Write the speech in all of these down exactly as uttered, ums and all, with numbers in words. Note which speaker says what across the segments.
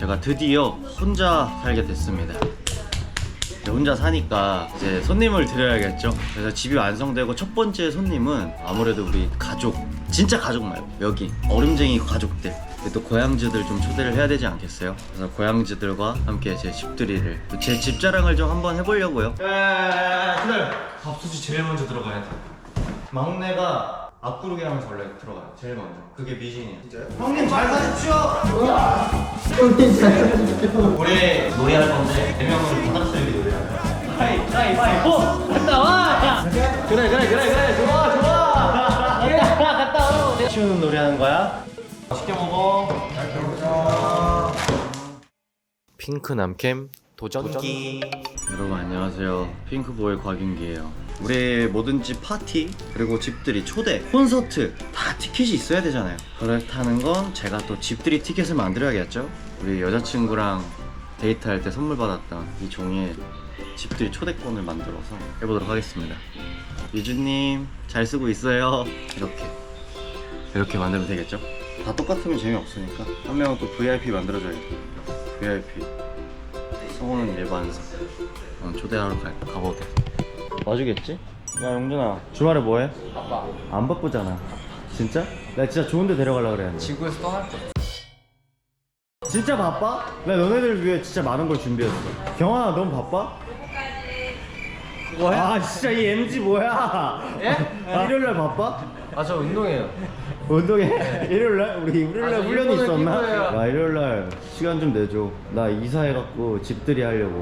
Speaker 1: 제가 드디어 혼자 살게 됐습니다. 혼자 사니까 이제 손님을 드려야겠죠. 그래서 집이 완성되고 첫 번째 손님은 아무래도 우리 가족, 진짜 가족 말고 여기 얼음쟁이 가족들, 또 고양지들 좀 초대를 해야 되지 않겠어요? 그래서 고양지들과 함께 제 집들이를, 제 집 자랑을 좀 한번 해보려고요. 기다려. 밥솥이 제일 먼저 들어가야 돼. 막내가 앞구르기 하면서 원래 들어가요. 제일 먼저. 그게 미신이에요. 진짜요? 형님 잘 사십시오. 형님 잘 사십시오. 우리 노래할 건데 네 명은 바닥설기 노래하는 거야. 하이 하이 하이 호 갔다 와. 그래 그래 그래 그래 좋아 좋아. 갔다 갔다 와. 쉬운 노래하는 거야. 맛있게 먹어. 잘 먹자. 핑크 남캠 도전기. 여러분 안녕하세요. 핑크보이 곽윤기예요. 우리 모든 집 파티 그리고 집들이 초대 콘서트 다 티켓이 있어야 되잖아요. 그렇다는 건 제가 또 집들이 티켓을 만들어야겠죠. 우리 여자친구랑 데이트할 때 선물 받았던 이 종이에 집들이 초대권을 만들어서 해보도록 하겠습니다. 유주님 잘 쓰고 있어요. 이렇게 이렇게 만들면 되겠죠. 다 똑같으면 재미없으니까 한 명은 또 브이아이피 만들어줘야겠다. 브이아이피 성우는 일반석. 어, 초대하러 가, 가보게. 와주겠지? 야 용준아 주말에 뭐해?
Speaker 2: 바빠.
Speaker 1: 안 바쁘잖아. 진짜? 나 진짜 좋은데 데려가려고 그래.
Speaker 2: 지구에서 떠날 거야.
Speaker 1: 진짜 바빠? 나 너네들 위해 진짜 많은 걸 준비했어. 경아 넌 바빠?
Speaker 2: 뭐해?
Speaker 1: 아 진짜 이 엠지 뭐야?
Speaker 2: 예?
Speaker 1: 아, 일요일날 바빠?
Speaker 2: 아 저 운동해요.
Speaker 1: 운동해? 일요일날? 우리 일요일날
Speaker 2: 아,
Speaker 1: 훈련이
Speaker 2: 일본은
Speaker 1: 있었나?
Speaker 2: 피부예요.
Speaker 1: 나 일요일날 시간 좀 내줘. 나 이사해갖고 집들이 하려고.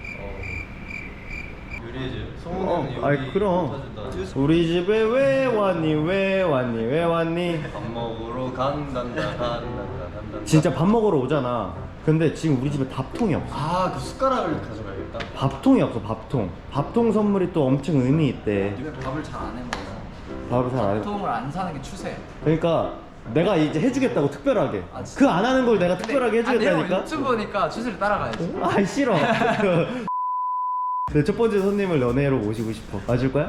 Speaker 2: 요리해줘요.
Speaker 1: 어,
Speaker 2: 성우는
Speaker 1: 아이 그럼 우리 집에 왜 왔니 왜 왔니 왜 왔니?
Speaker 2: 밥 먹으러 간단다 간단다 간단다.
Speaker 1: 진짜 밥 먹으러 오잖아. 근데 지금 우리 집에 밥통이 없어.
Speaker 2: 아그 숟가락을 가져가야겠다.
Speaker 1: 밥통이 없어. 밥통. 밥통 선물이 또 엄청 의미 있대.
Speaker 3: 요새 밥을 잘 안 해먹어서
Speaker 1: 밥을 잘 안 해.
Speaker 3: 보통을 안 사는 게 추세예요.
Speaker 1: 그러니까 내가 이제 해주겠다고 특별하게.
Speaker 3: 아, 진짜?
Speaker 1: 그 안 하는 걸 내가 특별하게
Speaker 3: 아, 내가
Speaker 1: 해주겠다니까.
Speaker 3: 유튜브니까 추세를 따라가야지.
Speaker 1: 아 싫어. 내 첫 번째 손님을 연애로 모시고 싶어. 와줄 거야?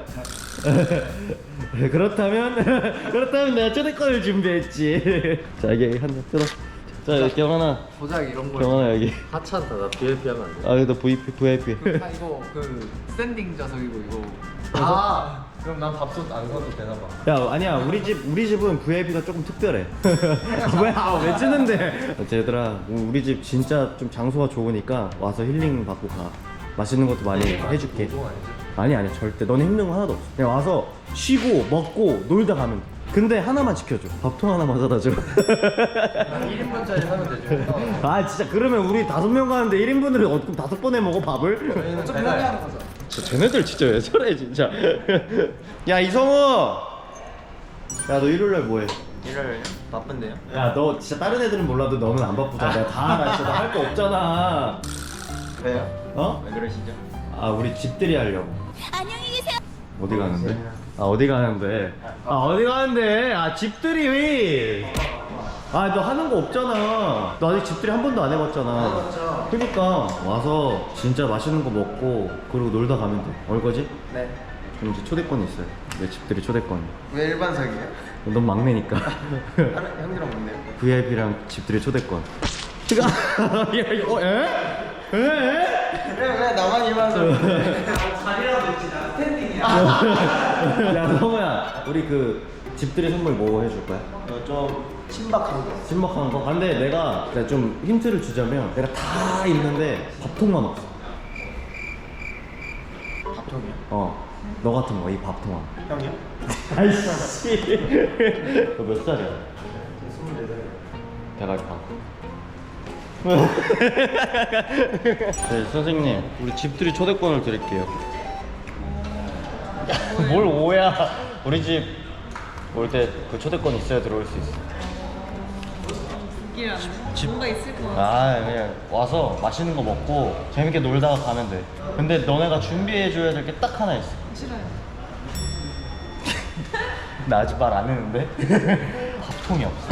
Speaker 1: 그렇다면 그렇다면 내가 초대권을 준비했지. 자 여기 한 잔 뜯어. 자 여기 경환아.
Speaker 3: 보자기 이런 걸.
Speaker 1: 경환아 여기.
Speaker 2: 하찮다. 나 브이아이피 하면 안 돼.
Speaker 1: 아 여기다 브이아이피 브이아이피.
Speaker 3: 그, 아, 이거 그 스탠딩 좌석이고 이거.
Speaker 2: 아 그럼 난 밥솥 안 사도 되나 봐.
Speaker 1: 야 아니야 우리 집 우리 집은 브이아이피가 조금 특별해. 왜? 아, 왜 찌는데? 얘들아 우리 집 진짜 좀 장소가 좋으니까 와서 힐링 받고 가. 맛있는 것도 많이 해줄게.
Speaker 2: 운동 아니지?
Speaker 1: 아니 아니 절대. 너는 힘든 거 하나도 없어. 그냥 와서 쉬고 먹고 놀다 가면 돼. 근데 하나만 지켜줘. 밥통 하나만 사다 줘.
Speaker 2: 일 인분짜리 사면 되죠.
Speaker 1: 아 진짜 그러면 우리 다섯 명 가는데 일 인분을 어떻게 다섯 번에 먹어 밥을?
Speaker 2: 저희는
Speaker 3: 좀
Speaker 2: 배달.
Speaker 3: 편리하는 거죠.
Speaker 1: 진짜 쟤네들 진짜 왜 저래 진짜. 야 이성우. 야 너 일요일날 뭐해?
Speaker 2: 일요일 바쁜데요?
Speaker 1: 야 너 진짜 다른 애들은 몰라도 너는 안 바쁘잖아. 내가 다 알아. 진짜 할 거 없잖아.
Speaker 2: 왜요?
Speaker 1: 어?
Speaker 2: 왜 그러시죠?
Speaker 1: 아 우리 집들이 하려고.
Speaker 4: 안녕히 계세요.
Speaker 1: 어디 가는데? 아 어디 가는데? 아 어디 가는데? 아 집들이 왜? 아 너 하는 거 없잖아. 너 아직 집들이 한 번도 안 해봤잖아. 그니까 와서 진짜 맛있는 거 먹고 그리고 놀다 가면 돼. 얼 거지?
Speaker 2: 네.
Speaker 1: 그럼 이제 초대권이 있어요. 내 집들이 초대권.
Speaker 2: 왜 일반석이에요?
Speaker 1: 넌 막내니까.
Speaker 2: 형이랑 뭔데요?
Speaker 1: 브이아이피랑 집들이 초대권. 야 이거 에? 에? 에?
Speaker 2: 왜, 왜 나만 일반석?
Speaker 1: 야 성우야 우리 그 집들이 선물 뭐 해줄 거야?
Speaker 2: 어, 좀 신박한 거.
Speaker 1: 신박한 거? 근데 내가, 내가 좀 힌트를 주자면 내가 다 있는데 밥통만 없어.
Speaker 2: 밥통이요?
Speaker 1: 어 너 같은 거 이 밥통만.
Speaker 2: 형이요?
Speaker 1: 아이씨. 너 몇 살이야?
Speaker 2: 스물네 살.
Speaker 1: 대갈빵. 네 선생님 우리 집들이 초대권을 드릴게요. 뭘 오야. 우리 집 올 때 그 초대권 있어야 들어올 수 있어.
Speaker 5: 이게
Speaker 1: 집-
Speaker 5: 뭔가 있을 것 같아.
Speaker 1: 아 그냥 와서 맛있는 거 먹고 재밌게 놀다가 가면 돼. 근데 너네가 준비해줘야 될 게 딱 하나 있어.
Speaker 5: 싫어요.
Speaker 1: 나 아직 말 안 했는데. 밥통이 없어.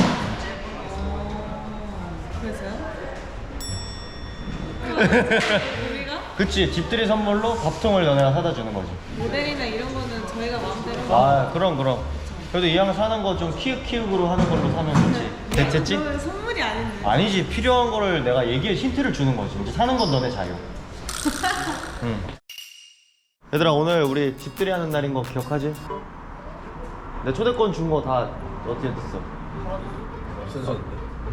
Speaker 5: 그래서요? 우리가
Speaker 1: 그치 집들이 선물로 밥통을 너네가 사다 주는 거지.
Speaker 5: 모델이나 이런 거는 저희가 마음대로.
Speaker 1: 아 그럼 그럼. 그래도 이왕 사는 거 좀 키읔키읔으로 하는 걸로 사면 좋지. 됐- 됐지?
Speaker 5: 그거는 선물이 아닌데.
Speaker 1: 아니지, 필요한 거를 내가 얘기해 힌트를 주는 거지. 이제 사는 건 너네 자유. 응. 얘들아, 오늘 우리 집들이 하는 날인 거 기억하지? 내 초대권 준 거 다 어떻게 됐어?
Speaker 2: 순서인데.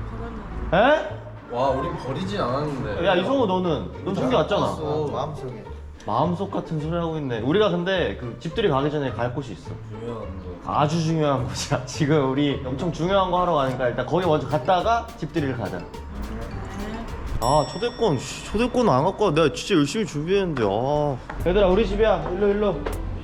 Speaker 1: 에?
Speaker 2: 와, 우리 버리진 않았는데.
Speaker 1: 야, 이성우 너는? 넌 챙겨왔잖아.
Speaker 2: 어, 마음속에
Speaker 1: 마음속 같은 소리 하고 있네. 우리가 근데 그 집들이 가기 전에 갈 곳이 있어.
Speaker 2: 중요한 거.
Speaker 1: 아주 중요한 곳이야. 지금 우리 엄청 중요한 거 하러 가니까 일단 거기 먼저 갔다가 집들이를 가자. 아, 초대권, 씨, 초대권 안 갖고 와. 내가 진짜 열심히 준비했는데. 아. 얘들아, 우리 집이야. 일로 일로.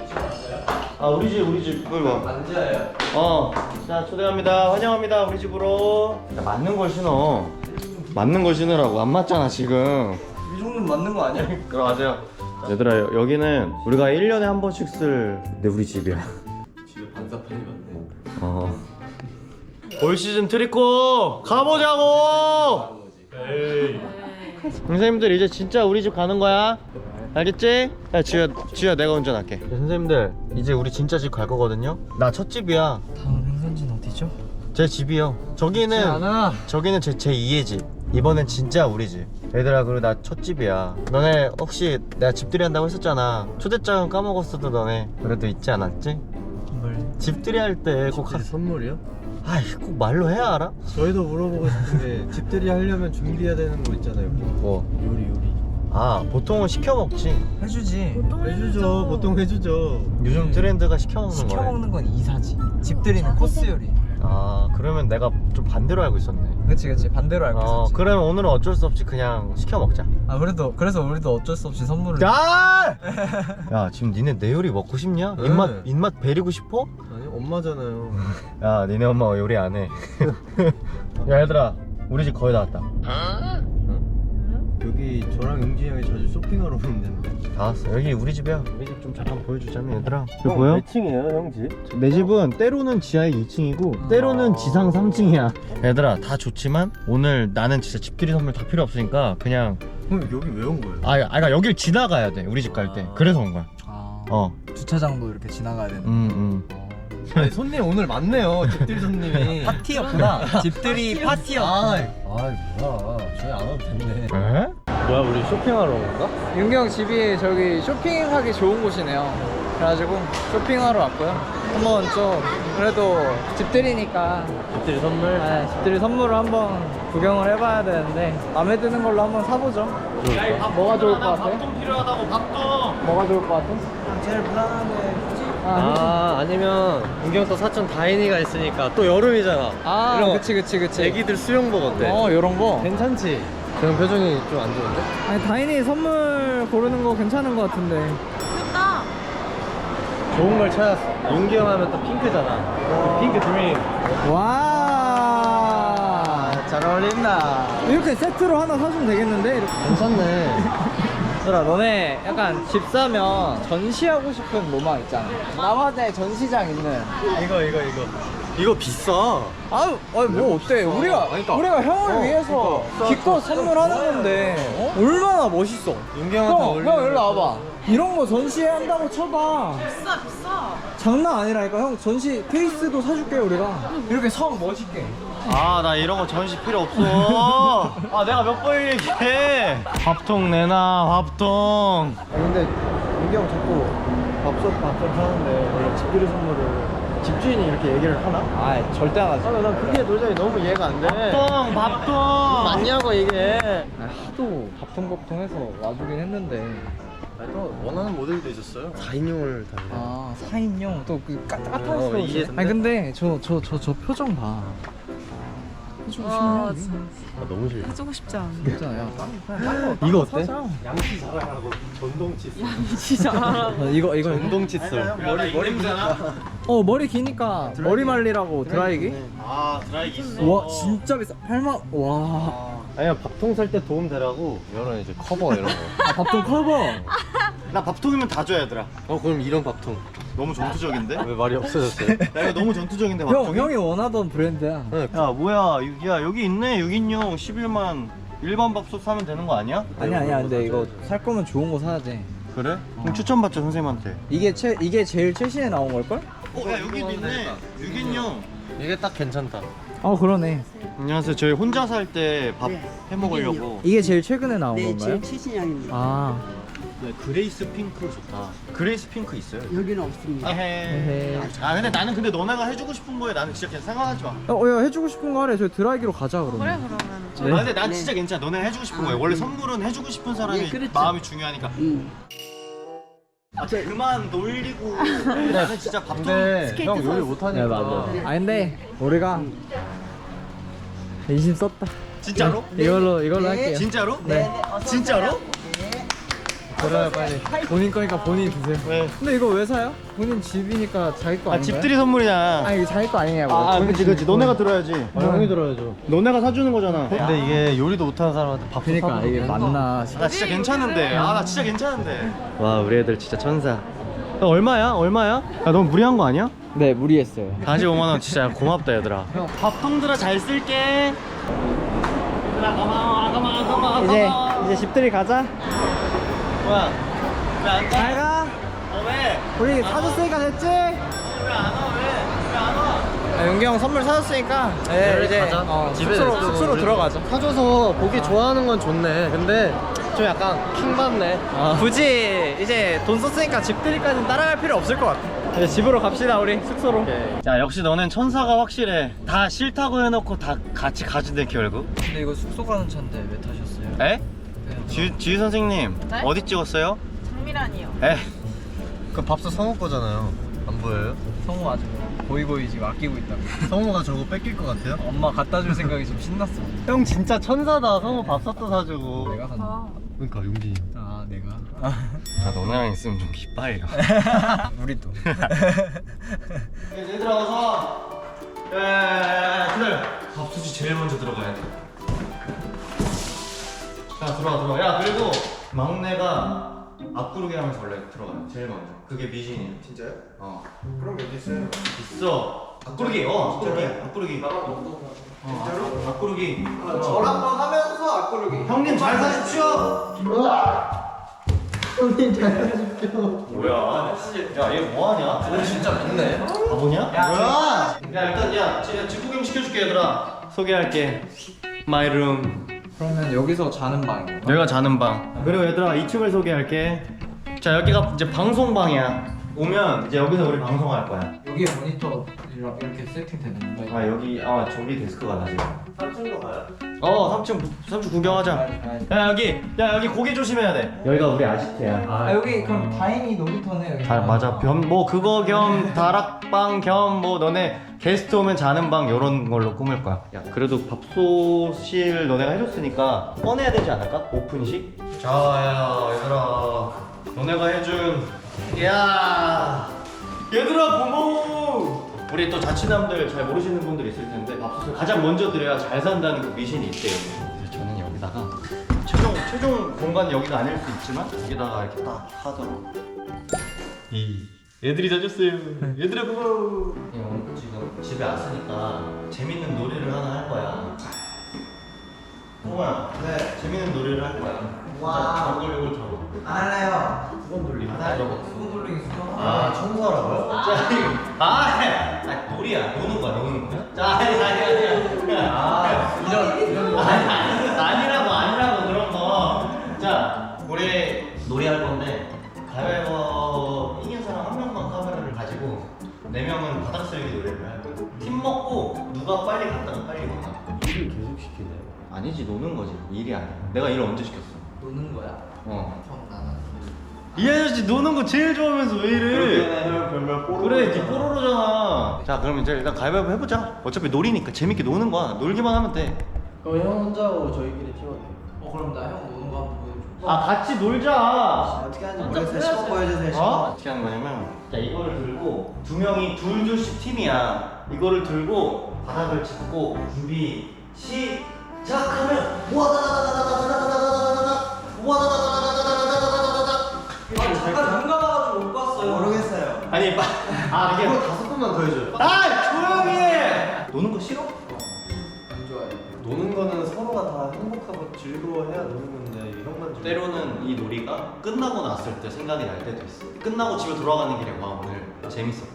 Speaker 1: 아, 우리 집, 우리 집. 이리 와.
Speaker 2: 앉아요.
Speaker 1: 어. 자, 초대합니다. 환영합니다. 우리 집으로. 야, 맞는 걸 신어. 맞는 걸 신으라고. 안 맞잖아, 지금.
Speaker 2: 이 정도는 맞는 거 아니야?
Speaker 1: 들어가세요. 얘들아, 여- 여기는 우리가 일 년에 한 번씩 쓸 내 우리 집이야.
Speaker 2: 집에 반사판이 많네.
Speaker 1: 어. 올 시즌 트리코 가보자고. 에이. 선생님들 이제 진짜 우리 집 가는 거야. 알겠지? 야, 지우야, 지우야, 내가 운전할게. 선생님들 이제 우리 진짜 집 갈 거거든요. 나 첫 집이야.
Speaker 2: 다음 행선지는 어디죠?
Speaker 1: 제 집이요. 저기는
Speaker 2: 않아.
Speaker 1: 저기는 제 제이의 집. 이번엔 진짜 우리 집. 얘들아, 그리고 나 첫 집이야. 너네 혹시 내가 집들이 한다고 했었잖아. 초대장은 까먹었어도 너네 그래도 잊지 않았지?
Speaker 2: 뭘?
Speaker 1: 집들이 할 때 꼭 하...
Speaker 2: 선물이요?
Speaker 1: 아이, 꼭 말로 해야 알아?
Speaker 2: 저희도 물어보고 싶은데 집들이 하려면 준비해야 되는 거 있잖아요.
Speaker 1: 뭐?
Speaker 2: 요리 요리.
Speaker 1: 아, 보통은 시켜 먹지.
Speaker 2: 해주지. 해주죠. 보통 해주죠.
Speaker 1: 요즘 트렌드가 시켜 먹는
Speaker 2: 시켜
Speaker 1: 거래.
Speaker 2: 먹는 건 이사지. 집들이는 코스 요리.
Speaker 1: 아, 그러면 내가 좀 반대로 알고 있었네.
Speaker 2: 그렇지 그렇지 반대로 알고
Speaker 1: 어,
Speaker 2: 있었지.
Speaker 1: 그러면 오늘은 어쩔 수 없이 그냥 시켜 먹자.
Speaker 2: 아 그래도 그래서 우리도 어쩔 수 없이 선물을.
Speaker 1: 야! 야, 지금 니네 내 요리 먹고 싶냐?
Speaker 2: 네.
Speaker 1: 입맛 입맛 베리고 싶어?
Speaker 2: 아니 엄마잖아요.
Speaker 1: 야, 니네 엄마 요리 안 해. 야, 얘들아, 우리 집 거의 다 왔다.
Speaker 2: 여기 저랑 용진이 형이 자주 쇼핑하러 오는데.
Speaker 1: 다 왔어. 여기 우리 집이야. 우리 집 좀 잠깐 보여주자면, 얘들아. 이거
Speaker 2: 형,
Speaker 1: 보여?
Speaker 2: 몇 층이에요 형 집?
Speaker 1: 내 집은 때로는 지하에 이 층이고 때로는 지상 삼 층이야. 얘들아, 다 좋지만 오늘 나는 진짜 집들이 선물 다 필요 없으니까 그냥
Speaker 2: 그럼 여기 왜 온 거예요?
Speaker 1: 아, 아, 그러니까 여길 지나가야 돼. 우리 집 갈 때. 그래서 온 거야.
Speaker 3: 아,
Speaker 1: 어.
Speaker 3: 주차장도 이렇게 지나가야 되는.
Speaker 1: 음, 음.
Speaker 2: 아니 손님 오늘 많네요. 집들이 손님이.
Speaker 3: 파티였구나. 집들이 파티였.
Speaker 2: 아, 아 뭐야. 저희 안 와도 됐네.
Speaker 1: 에?
Speaker 2: 뭐야 우리 쇼핑하러 온 건가?
Speaker 3: 윤경 집이 저기 쇼핑하기 좋은 곳이네요. 그래가지고 쇼핑하러 왔고요. 한번 좀 그래도 집들이니까
Speaker 2: 집들이 선물.
Speaker 3: 네, 집들이 선물을 한번 구경을 해봐야 되는데 마음에 드는 걸로 한번 사보죠. 뭐가 좋을 것 같아?
Speaker 1: 밥통 필요하다고, 밥통.
Speaker 3: 뭐가 좋을 것 같아?
Speaker 2: 제일 무난한 게.
Speaker 3: 아,
Speaker 2: 아 아니면 은경 또 사촌 다인이가 있으니까 또 여름이잖아.
Speaker 3: 아
Speaker 2: 이런 거.
Speaker 3: 그치 그치 그치.
Speaker 2: 애기들 수영복 어때?
Speaker 3: 어 요런 거.
Speaker 2: 괜찮지? 그럼 표정이 좀 안 좋은데?
Speaker 3: 아니 다인이 선물 고르는 거 괜찮은 거 같은데.
Speaker 5: 귀엽다.
Speaker 2: 좋은 걸 찾았어. 용기 형 하면 또 핑크잖아. 핑크 드림.
Speaker 3: 와.
Speaker 2: 잘 어울린다.
Speaker 3: 이렇게 세트로 하나 사주면 되겠는데? 이렇게.
Speaker 2: 괜찮네.
Speaker 3: 얘들아 너네 약간 집 사면 전시하고 싶은 로망 있잖아. 남화대 전시장 있는.
Speaker 2: 이거 이거 이거. 이거 비싸.
Speaker 3: 아유, 아니 뭐 어때? 우리가
Speaker 2: 그러니까.
Speaker 3: 우리가 형을
Speaker 2: 어,
Speaker 3: 위해서
Speaker 2: 그러니까.
Speaker 3: 기껏 선물하는 건데 어? 얼마나 멋있어.
Speaker 2: 용기 형한테
Speaker 3: 형,
Speaker 2: 어울리는
Speaker 3: 형 일로
Speaker 2: 거.
Speaker 3: 와봐. 이런 거 전시한다고 쳐봐.
Speaker 5: 비싸 비싸.
Speaker 3: 장난 아니라니까. 형 전시 케이스도 사줄게 우리가. 이렇게 성 멋있게.
Speaker 1: 아, 나 이런 거 전시 필요 없어. 아, 내가 몇 번 얘기해. 밥통 내놔, 밥통.
Speaker 2: 아 근데 용기 형 자꾸 밥솥 밥솥 하는데 원래 집들이 선물을 집주인이 이렇게 얘기를 하나?
Speaker 3: 아 절대 안 하지.
Speaker 2: 아, 난 그게 도저히 너무 이해가 안 돼.
Speaker 1: 밥통, 밥통.
Speaker 2: 맞냐고 이게.
Speaker 3: 아, 하도 밥통밥통해서 와주긴 했는데.
Speaker 2: 아니, 또 원하는 모델도 있었어요. 사 인용을 달래.
Speaker 3: 아 사 인용 또 그 까딱까딱해서.
Speaker 2: 어, 이게
Speaker 3: 아니 근데 저 저 저 저 표정 봐. 해주고
Speaker 5: 아
Speaker 3: 싶네.
Speaker 5: 진짜
Speaker 2: 아, 너무 싫어.
Speaker 5: 해주고 싶지 않아.
Speaker 3: 진짜 야 그냥 딴거
Speaker 2: 이거 어때?
Speaker 3: 사자.
Speaker 2: 양치 자랑하고 전동칫솔.
Speaker 5: 진짜 알아.
Speaker 3: 어, 이거 이거
Speaker 2: 전동칫솔.
Speaker 1: 머리 머리 잖아.
Speaker 3: 어 머리 기니까 머리 말리라고 드라이기?
Speaker 1: 아, 드라이기 있어.
Speaker 3: 와 진짜 비싸. 팔만 와.
Speaker 2: 아니야 밥통 살 때 도움 되라고 이런 이제 커버 이런 거.
Speaker 3: 아 밥통 커버.
Speaker 1: 나 밥통이면 다 줘야 얘들아.
Speaker 2: 어 그럼 이런 밥통.
Speaker 1: 너무 전투적인데?
Speaker 2: 왜 말이 없어졌어요?
Speaker 1: 야, 이거 너무 전투적인데,
Speaker 3: 형
Speaker 1: 밥통이?
Speaker 3: 형이 원하던 브랜드야.
Speaker 2: 네.
Speaker 1: 야, 뭐야. 야, 여기 있네. 육 인용 십일만. 일반 밥솥 사면 되는 거 아니야?
Speaker 3: 아니야 아니야 근데 이거 살 거면 좋은 거 사야지.
Speaker 1: 그래? 그럼 추천받죠, 선생님한테.
Speaker 3: 이게 최 이게 제일 최신에 나온 걸 걸?
Speaker 1: 어, 야, 여기도 있네. 육 인용.
Speaker 2: 이게 딱 괜찮다.
Speaker 3: 어 그러네.
Speaker 1: 안녕하세요. 저희 혼자 살 때 밥 해 먹으려고.
Speaker 3: 이게 제일 최근에 나온
Speaker 4: 네,
Speaker 3: 건가요?
Speaker 4: 제일 최신형입니다.
Speaker 3: 아,
Speaker 1: 네, 그레이스 핑크 좋다. 그레이스 핑크 있어요?
Speaker 4: 여기는 없습니다.
Speaker 1: 에헤.
Speaker 3: 에헤.
Speaker 1: 아 근데 나는 근데 너네가 해주고 싶은 거에 나는 진짜 그냥 생각하지 마.
Speaker 3: 어, 야, 해주고 싶은 거 하래. 저희 드라이기로 가자 그러면.
Speaker 5: 그래 그러면 좀.
Speaker 3: 네.
Speaker 1: 아 근데 난
Speaker 4: 네.
Speaker 1: 진짜 괜찮아. 너네 해주고 싶은
Speaker 4: 아,
Speaker 1: 거예요. 원래
Speaker 4: 네.
Speaker 1: 선물은 해주고 싶은 사람이
Speaker 4: 네, 그렇죠.
Speaker 1: 마음이 중요하니까.
Speaker 4: 음.
Speaker 1: 아 그만 놀리고. 나는 진짜 밥 좀.
Speaker 2: 근데 형 요리 못하니까.
Speaker 3: 네, 맞아. 아, 근데 우리가 인심 썼다.
Speaker 1: 진짜로?
Speaker 3: 이걸로 이걸로
Speaker 4: 네.
Speaker 3: 할게요.
Speaker 1: 진짜로?
Speaker 3: 네.
Speaker 1: 진짜로?
Speaker 3: 그래요, 빨리. 본인 거니까 본인이 드세요.
Speaker 1: 왜?
Speaker 3: 근데 이거 왜 사요? 본인 집이니까 자기 거
Speaker 1: 아
Speaker 3: 아닌가요?
Speaker 1: 집들이 선물이잖아.
Speaker 3: 아니, 이거 자기 거 아니냐고.
Speaker 1: 아, 아
Speaker 3: 본인
Speaker 1: 그치
Speaker 3: 집
Speaker 1: 그치.
Speaker 3: 거.
Speaker 1: 너네가 들어야지.
Speaker 2: 아, 형이 들어야죠.
Speaker 1: 너네가 사주는 거잖아.
Speaker 2: 근데 이게 요리도 못하는 사람한테 밥
Speaker 3: 그러니까 이게 맞나?
Speaker 1: 아, 나 진짜 괜찮은데. 아, 나 진짜 괜찮은데. 와, 우리 애들 진짜 천사. 야, 얼마야? 얼마야? 야, 너무 무리한 거 아니야?
Speaker 3: 네, 무리했어요.
Speaker 1: 사십오만 원 진짜 고맙다, 얘들아. 형, 밥통들아 잘 쓸게. 얘들아, 고마워, 고마워, 고마워.
Speaker 3: 이제
Speaker 1: 고마워.
Speaker 3: 이제 집들이 가자.
Speaker 1: 뭐야? 왜안
Speaker 3: 잘
Speaker 1: 가?
Speaker 3: 가.
Speaker 1: 어, 왜?
Speaker 3: 우리 사줬으니까 됐지?
Speaker 1: 왜 안 와? 왜? 왜 안 와?
Speaker 3: 아, 용기 형 선물 사줬으니까 네, 이제
Speaker 2: 가자.
Speaker 3: 어,
Speaker 2: 집에
Speaker 3: 숙소로
Speaker 2: 냅두고
Speaker 3: 숙소로
Speaker 2: 우리-
Speaker 3: 들어가자.
Speaker 2: 사줘서 보기 좋아하는 건 좋네. 근데 좀 약간 킹받네.
Speaker 3: 굳이 이제 돈 썼으니까 집들이까지는 따라갈 필요 없을 것 같아. 이제 집으로 갑시다, 우리 숙소로.
Speaker 1: 자, 역시 너는 천사가 확실해. 다 싫다고 해놓고 다 같이 가진대, 결국.
Speaker 3: 근데 이거 숙소 가는 차인데 왜 타셨어요?
Speaker 1: 에? 지, 지휘 선생님,
Speaker 5: 네?
Speaker 1: 어디 찍었어요?
Speaker 5: 장미란이요.
Speaker 1: 에?
Speaker 2: 그 밥솥 성우 거잖아요. 안 보여요?
Speaker 3: 성우 아주 고이고이 지금 아끼고 있다고.
Speaker 2: 성우가 저거 뺏길 것 같아요?
Speaker 3: 엄마 갖다 줄 생각이 좀 신났어.
Speaker 2: 형 진짜 천사다. 성우 밥솥도 사주고.
Speaker 3: 내가 산다.
Speaker 5: 아,
Speaker 2: 그러니까 용진이 형.
Speaker 3: 아, 내가.
Speaker 1: 아, 너네랑 있으면 좀 기빨려.
Speaker 3: 우리도.
Speaker 1: 얘들아 어서. 야야야야 기다려. 밥솥이 제일 먼저 들어가야 돼. 자 들어와 들어와. 야 그리고 막내가 앞구르기 하면서 원래 들어가요. 제일 먼저. 그게 미신이에요.
Speaker 2: 진짜요?
Speaker 1: 어.
Speaker 2: 그럼 여기 있어요.
Speaker 1: 있어. 앞구르기. 어 앞구르기. 앞구르기. 어, 진짜로? 앞구르기.
Speaker 3: 저랑 번 하면서 앞구르기.
Speaker 1: 형님 잘 사십시오.
Speaker 3: 형님 잘 사십시오.
Speaker 1: 뭐야? 야 얘 뭐하냐?
Speaker 3: 오늘 진짜 좋네.
Speaker 1: 바보냐? 뭐야? 야 일단 야 집- 집 구경 시켜줄게 얘들아. 소개할게. 마이 룸.
Speaker 3: 그러면 여기서 자는 방인 거야?
Speaker 1: 여기가 자는 방. 그리고 얘들아 이 층을 소개할게. 자 여기가 이제 방송방이야. 오면 이제 여기서 우리 방송할 거야.
Speaker 3: 여기에 모니터랑 이렇게 세팅되는 건가?
Speaker 1: 아 여기 아 저기 데스크가 나 지금.
Speaker 2: 삼 층으로 가요?
Speaker 1: 어 삼 층 삼 층 구경하자. 야 여기 야 여기 고기 조심해야 돼. 여기가 우리 아지트야.
Speaker 3: 아, 여기 그럼 다행히 놀이터네 여기.
Speaker 1: 아 맞아. 겸 뭐 그거 겸 다락방 겸 뭐 너네 게스트 오면 자는 방 요런 걸로 꾸밀 거야. 야 그래도 밥솥실 너네가 해줬으니까 꺼내야 되지 않을까? 오픈식? 자야 얘들아 너네가 해준 야 얘들아 고마워. 우리 또 자취남들 잘 모르시는 분들 있을 텐데 밥솥을 가장 먼저 드려야 잘 산다는 그 미신이 있대요. 그래서 저는 여기다가 최종 최종 공간 여기가 아닐 수 있지만 여기다가 이렇게 딱 하도록. 이 애들이 자줬어요. 얘들아 고마워. 형 지금 집에 왔으니까 재밌는 놀이를 하나 할 거야. 동호야. 네. 재밌는 놀이를 할 거야.
Speaker 3: 와.
Speaker 1: 저걸 이걸 타고.
Speaker 3: 안 할래요.
Speaker 1: 수건 돌리기. 아, 저거.
Speaker 3: 수건 돌리기 수건.
Speaker 1: 아, 청소하라고요? 자, 이거. 아, 아, 놀이야. 노는 거야, 노는 거야. 자, 아니, 아니, 아니. 아,
Speaker 3: 이런 이런
Speaker 1: 아니, 아니, 아니라고, 아니라고, 그런 거. 자, 우리 놀이 할 건데, 가위바위보 이긴 사람 한 명만 카메라를 가지고, 네 명은 바닥 쓸기 놀이를 할 거야. 팀 먹고, 누가 빨리 갔다가 빨리 오나.
Speaker 2: 일을 계속 시키네.
Speaker 1: 아니지, 노는 거지. 일이 아니야. 내가 일을 언제 시켰어?
Speaker 3: 노는 거야.
Speaker 1: 어.
Speaker 3: 형 나는.
Speaker 1: 이 아저씨 노는 거 제일 좋아하면서 왜 이래?
Speaker 2: 형 별명 뽀로로.
Speaker 1: 그래, 니 뽀로로잖아. 자, 그럼 이제 일단 가위바위보 해보자. 어차피 놀이니까 재밌게 노는 거야. 놀기만 하면 돼.
Speaker 2: 그럼 형 혼자 하고 저희끼리 팀할게요.
Speaker 3: 어, 그럼 나 형 노는 거 한번 보여줘.
Speaker 1: 아, 같이 놀자.
Speaker 2: 어떻게 하는지
Speaker 5: 먼저
Speaker 2: 모르겠어요. 시범 보여주세요. 시범.
Speaker 1: 어? 어떻게 하는 거냐면, 자, 이거를 들고 두 명이 둘둘씩 팀이야. 이거를 들고 바닥을 짚고 준비 시작하면 와다다다다다다다다다다다다다 와다다다다다다다다다다다.
Speaker 3: 잠깐 눈 감아가지고 못 봤어요.
Speaker 2: 모르겠어요.
Speaker 1: 아니, 빠, 아 이게
Speaker 2: 이거 다섯 번만 더 해줘요.
Speaker 1: 아 조용히 해. 노는 거 싫어?
Speaker 3: 안 좋아해.
Speaker 2: 노는 거는 서로가 다 행복하고 즐거워해야 노는 건데 형만 좀.
Speaker 1: 때로는 이 놀이가 끝나고 났을 때 생각이 날 때도 있어. 끝나고 집에 돌아가는 길에 와 오늘 재밌었다.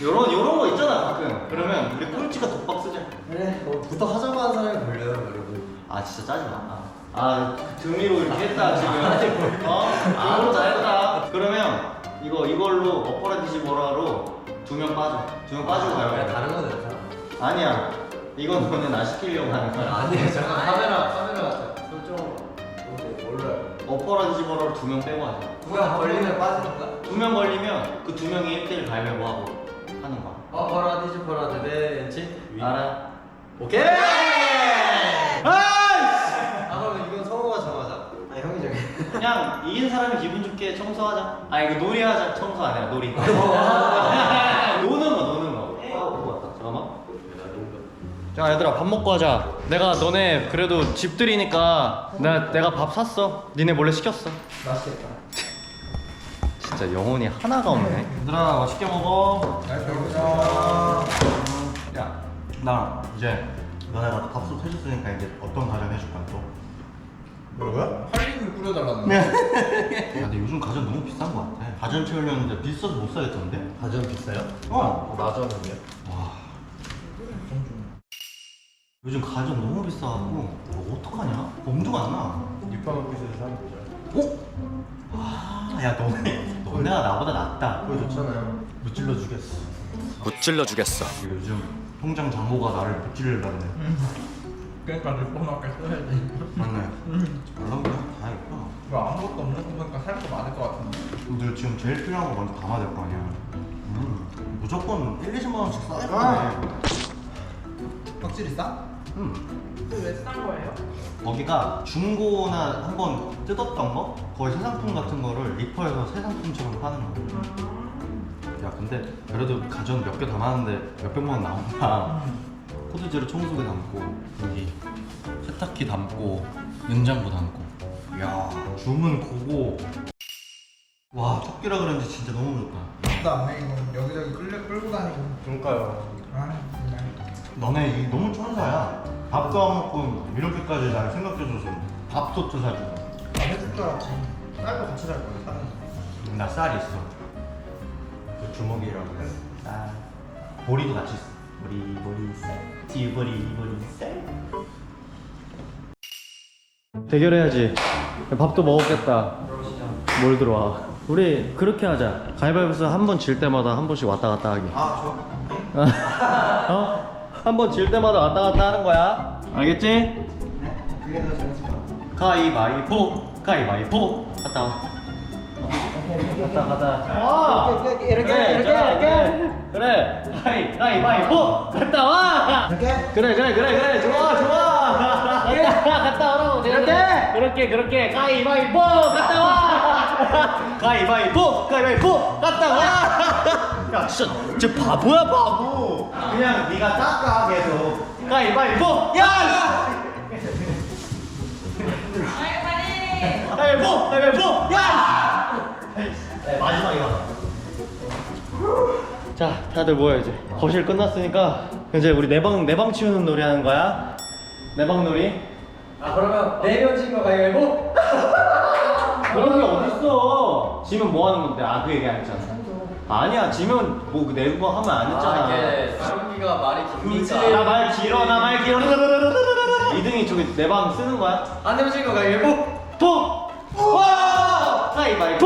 Speaker 1: 요런 요런 거 있잖아 가끔. 그러면 우리 꼴찌가 독박 쓰자.
Speaker 2: 그래 뭐 부탁하자고 하는 사람이 걸려요 여러분.
Speaker 1: 아 진짜 짜지 마. 아, 그 등위로 이렇게 했다 지금. 어? 아, 너무 잘했다. 그러면 이거 이걸로 엎어라 뒤집어라로 두 명 빠져. 두 명 빠지고 가요.
Speaker 2: 그냥 다른 거 내자.
Speaker 1: 아니야. 이건 너는 나 시키려고 하는 거야.
Speaker 2: 아니에요 잠깐 카메라 카메라 설정 몰라요.
Speaker 1: 엎어라 뒤집어라로 두 명 빼고 하자.
Speaker 2: 누가 걸리면 빠지니까.
Speaker 1: 두 명 걸리면 그 두 명이 일 대일 가위바위보 하고 하는 거야.
Speaker 2: 어 버라 뒤집어라 대대치.
Speaker 1: 알아?
Speaker 2: 오케이.
Speaker 1: 아이씨!
Speaker 2: 아 그럼 이건 성우가 정하자. 아 형이 정해.
Speaker 1: 그냥 이긴 사람이 기분 좋게 청소하자. 아 이거 놀이하자. 청소 아니라 놀이. 노는 거 노는 거. 아 그거 같다. 잠깐만. 자 얘들아 밥 먹고 하자. 내가 너네 그래도 집들이니까 내가 내가 밥 샀어. 니네 몰래 시켰어.
Speaker 2: 맛있겠다.
Speaker 1: 진짜 영혼이 하나가 없네. 얘들아 맛있게 먹어.
Speaker 2: 잘 먹자.
Speaker 1: 야, 나 이제 너네가 밥솥 해줬으니까 이제 어떤 가전 해줄 거야 또?
Speaker 2: 뭐라고요?
Speaker 3: 할리를 뿌려달라는
Speaker 1: 야, 근데 요즘 가전 너무 비싼 거 같아. 가전 채우려는데 비싸서 못 사겠던데?
Speaker 2: 가전 비싸요?
Speaker 1: 어.
Speaker 2: 나저는요?
Speaker 1: 와. 요즘 가전 너무 비싸갖고 뭐 어떡하냐? 엄두가 안 나.
Speaker 2: 육파마켓에서 사면 되죠.
Speaker 1: 어? 아, 야 너네 너네가 나보다 낫다.
Speaker 2: 그거 좋잖아요. 무찔러 주겠어.
Speaker 1: 무찔러 주겠어. 요즘 통장 잔고가 나를 무찔러라네.
Speaker 3: 그러니까 리포너게 써야지.
Speaker 1: 맞네. 연락이 다 있구나.
Speaker 3: 왜 아무것도 없는 거 보니까 살 거 많을 것 같은데.
Speaker 1: 근데 지금 제일 필요한 거 먼저 담아야 될 거 아니야. 음, 무조건 일, 이십만 원씩 써야 돼.
Speaker 2: 아.
Speaker 3: 확실히 싸?
Speaker 1: 음.
Speaker 5: 왜싼 거예요?
Speaker 1: 거기가 중고나 한번 뜯었던 거? 거의 새 상품 같은 거를 리퍼해서 새 상품처럼 파는 거야. 야 근데 그래도 가전 몇 개 담았는데 몇백만 원 나온다. 코드제로 청소기 담고 여기 세탁기 담고 냉장고 담고. 야 주문 고고. 와 토끼라 그랬는데 진짜 너무 좋다.
Speaker 3: 나 안해 이거 여기저기 끌려 끌고 다니고.
Speaker 2: 그러니까요.
Speaker 3: 아 정말.
Speaker 1: 너네 이 너무 천사야. 밥도 안 먹고 이렇게까지 날 생각해줘서 밥솥도 사주고.
Speaker 3: 나 해줄 줄 알았지. 쌀도 같이 살 거야 사는.
Speaker 1: 나 쌀 있어.
Speaker 2: 그 주먹이라고 해.
Speaker 1: 쌀. 보리도 같이 있어. 보리 보리 쌀. 지보리 보리 쌀. 대결해야지. 밥도 먹었겠다. 뭘 들어와. 우리 그렇게 하자. 가위바위보에서 한 번 질 때마다 한 번씩 왔다 갔다 하기.
Speaker 2: 아 좋아.
Speaker 1: 어? 한 번 질 때마다 왔다 갔다 하는 거야. 알겠지?
Speaker 2: 그게 더 재밌을 것 같아.
Speaker 1: 가위바위보. 가위바위보. 갔다 와. 갔다 갔다. 와.
Speaker 2: 이렇게 이렇게
Speaker 1: 그래,
Speaker 2: 이렇게
Speaker 1: 자,
Speaker 2: 이렇게.
Speaker 1: 그래. 가위 가위바위보. 갔다 와.
Speaker 2: 이렇게.
Speaker 1: 그래 그래 그래 그래 좋아 좋아. 갔다 갔다 오라고.
Speaker 2: 이렇게.
Speaker 1: 그렇게 그렇게 가위바위보. 갔다 와. 가위바위보. 가위바위보. 갔다 와. 야 진짜 쟤 바보야 바보. 그냥 네가 닦아 계속. 가위바위보. 야. 가위바위보. 가위바위보. 야. 네, 마지막이야. 자, 다들 모여 이제. 거실 끝났으니까 이제 우리 내방 내방 치우는 놀이 하는 거야. 내방 놀이.
Speaker 2: 아 그러면 네명 친거 가위바위보.
Speaker 1: 그런 게 어딨어? 지면 뭐 하는 건데? 아, 그 얘기 안 했잖아. 아니야, 지면 뭐 그 내고 하면 안 했잖아.
Speaker 2: 사람기가 말이 깁니까?
Speaker 1: 나 말 길어, 나 말 길어. 이 등이 저기 내 방 쓰는 거야?
Speaker 2: 안 되면 친거 가위바위보.
Speaker 1: 포! 와! 가위바위보!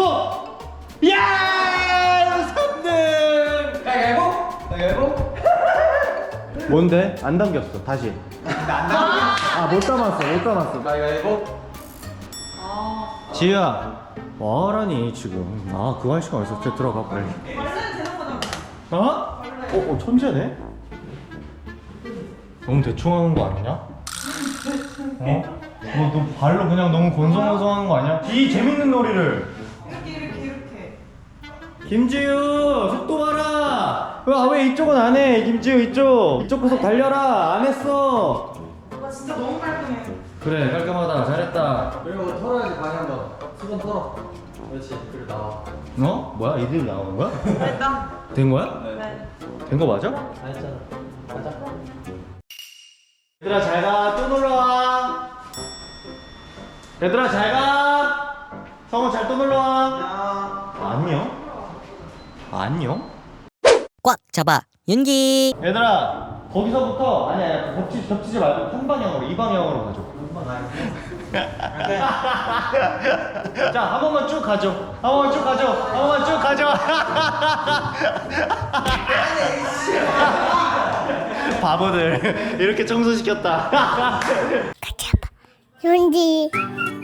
Speaker 1: 야! 삼 등!
Speaker 2: 가위바위보. 가위바위보.
Speaker 1: 뭔데? 안 담겼어. 다시. 아, 못 담았어. 못 담았어.
Speaker 2: 가위바위보.
Speaker 1: 지우야. 뭐하라니 지금. 아, 그거 할 시간 어딨어. 저 들어가 빨리.
Speaker 5: 원래는 되는 거잖아.
Speaker 1: 어? 어, 어, 천재네? 너무 대충 하는 거 아니냐? 어? 너, 너 발로 그냥 너무 곤성곤성하는 거 아니야? 이 재밌는 놀이를.
Speaker 5: 이렇게 이렇게 이렇게.
Speaker 1: 김지우 속도 봐라. 왜, 아, 왜 이쪽은 안 해? 김지우 이쪽. 이쪽 구석 달려라. 안 했어.
Speaker 5: 와 진짜 너무 깔끔해.
Speaker 1: 그래 깔끔하다. 잘했다.
Speaker 2: 그리고 털어야지 방에 한번. 수건 털어. 그렇지. 그리고 나와.
Speaker 1: 어? 뭐야? 이들이 나오는 거야?
Speaker 5: 됐다.
Speaker 1: 된 거야?
Speaker 5: 네.
Speaker 1: 된 거 맞아?
Speaker 2: 다 했잖아. 가자.
Speaker 1: 얘들아 잘가. 또 놀러와. 얘들아 잘가. 성우 잘 또 놀러와. 안녕. 안녕?
Speaker 4: 꽉 잡아 윤기.
Speaker 1: 얘들아 거기서부터 아니 아니 겹치, 겹치지 말고 한 방향으로 이 방향으로 가죠. 자, 한 번만 쭉 가죠. 한 번만 쭉 가죠. 한 번만 쭉 가죠. 바보들 이렇게 청소시켰다.
Speaker 6: 윤기.